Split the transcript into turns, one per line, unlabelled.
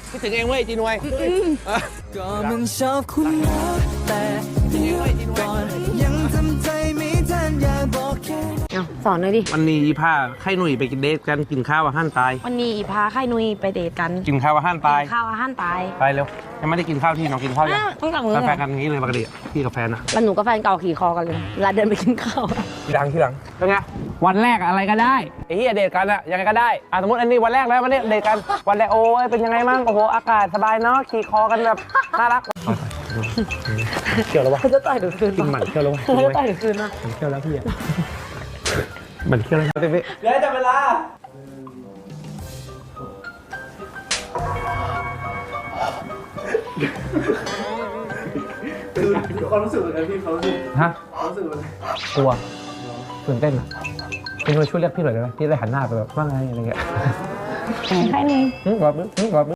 คิดถึงเองเว้ยจีนวย
ก็มันชอบคุณรักแต่เดี๋ยวก่อนยังทำใจไม่ทันอยากบอกแค่
สอนเลยดิ
วันนี้พาไข่หนุ่ยไปกินเดทกันกินข้าวอาหารตาย
วันนี้พาไข่นุยไปเดทกัน
กินข้าวอาหารตาย
ข้าวอาหารตาย
ไปเร็วยังไม่ได้กินข้าวที่น้องกินข้าวยัง
ต้องจับมือ
แฟนกันอย่างนี้เลยปกติพี่กับแฟนนะ
แล้วหนูกับแฟนเก่าขี่คอกันเลยเวลาเดินไปกินข้าว
ทีหลังเป็นไงวันแรกอะไรก็ได้ไอ้เหี้ยเดทกันอะยังไงก็ได้สมมติอันนี้วันแรกแล้ววันนี้เดทกันวันแรกโอ้ยเป็นยังไงมั่งโอ้โหอากาศสบายเนาะขี่คอกันแบบน่ารักเกี่ยวแล้ววะ
เขาจะต่อยหนูคืน
กินหมันเกี่ยวแล้ววะ
เขาจะต่อยหนูคืนนะ
เกี่ยวแล้วพี่อะหมันเกี่ยวแล้วพี่เดี๋ยวจับเวลา
คือความรู้สึกเหมือนกันพี่เขารู้สึก
ฮะ
ความรู้สึกเหมือน
กลัวตื่นเต้นอ่ะพี่ช่วยเรียกพี่หน่อยได้ไหมพี่ได้หันหน้าไปแบบว่าไงอะไรเงี้ย
ใครนึง
กอดมือกอดมือ